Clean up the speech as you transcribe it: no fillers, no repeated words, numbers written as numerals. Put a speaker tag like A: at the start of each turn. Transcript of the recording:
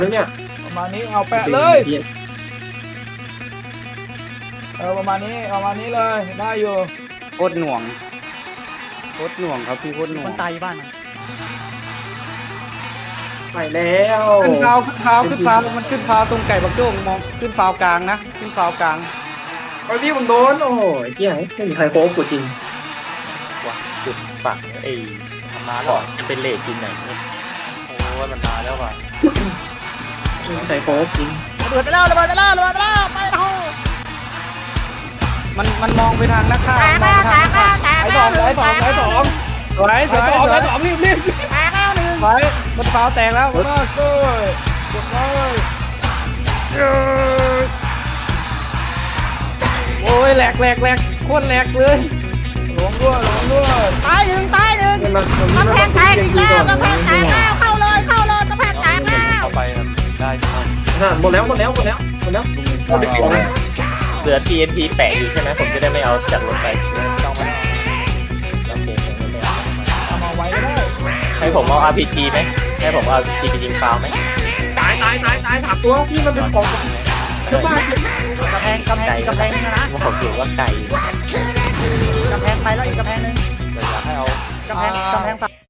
A: แล้วเนี่ย
B: ประมาณนี้เอาแปะเลยประมาณนี้เลยได้อยู่
C: โคตรหน่วงครับพี่โคตรหน่ว
D: มั
C: ง
D: นตายบ้านมัน
A: ไปแล้ว
C: ขึ้นฟาวมันขึ้นฟาวตรงไก่บักโจ้งมองขึ้นฟาวกลางนะขึ้นฟาวกลาง
A: ไอ้พี่ผมโดนโอ้ยเหี้ยไม่มีใครโค้งกูจริง
E: ว่ะจุดฝั่งไอ้ธรรมะก่อนจะเป็นเลทจริงไหนเนี่ยโอ้ยมันมาแล้วว่ะ
A: ไม่มีใครโค้งจริง
D: ระเบิดไปแล้วไปเท่า
C: มันมองไปทางนักฆ่า
D: แตกแล้ว
B: ไอ้สอง
C: สวย
B: ไอ้สอง รีบ
D: แตกแล้วหนึ่ง
C: สวยมันฟาวแตกแล้ว
B: มากเลยกดเลย
C: โอ้ยแหลกโคตรแหลกเลย
B: ลงด้วย
D: ตายหนึ่งกำแพงแตกอีกแล้วกำแพงแตกแล้วเข้าเลยกำแพงแตกแล้ว
E: เข้าไปครับได้ครับ
A: หมดแล้ว
E: เหลือ TNT แปะอยู่ใช่ไหมผมจะได้ไม่เอาจากรถไปต้องมาโอเคผมไม่เอา
B: เอามาไว้ก็ได้
E: ให้ผมเอา RPG ไหมให้ผมเอา RPG ไปยิงฟาวไหม
A: ตายถามตัวพี่มันเป็นของเจ้าบ้าน
D: กำแพงนะ
E: ผมถือว่าไก่
D: กำแพงไปแล้วอีกกำแพงนึง
E: อยากให้เอา
D: กำแพง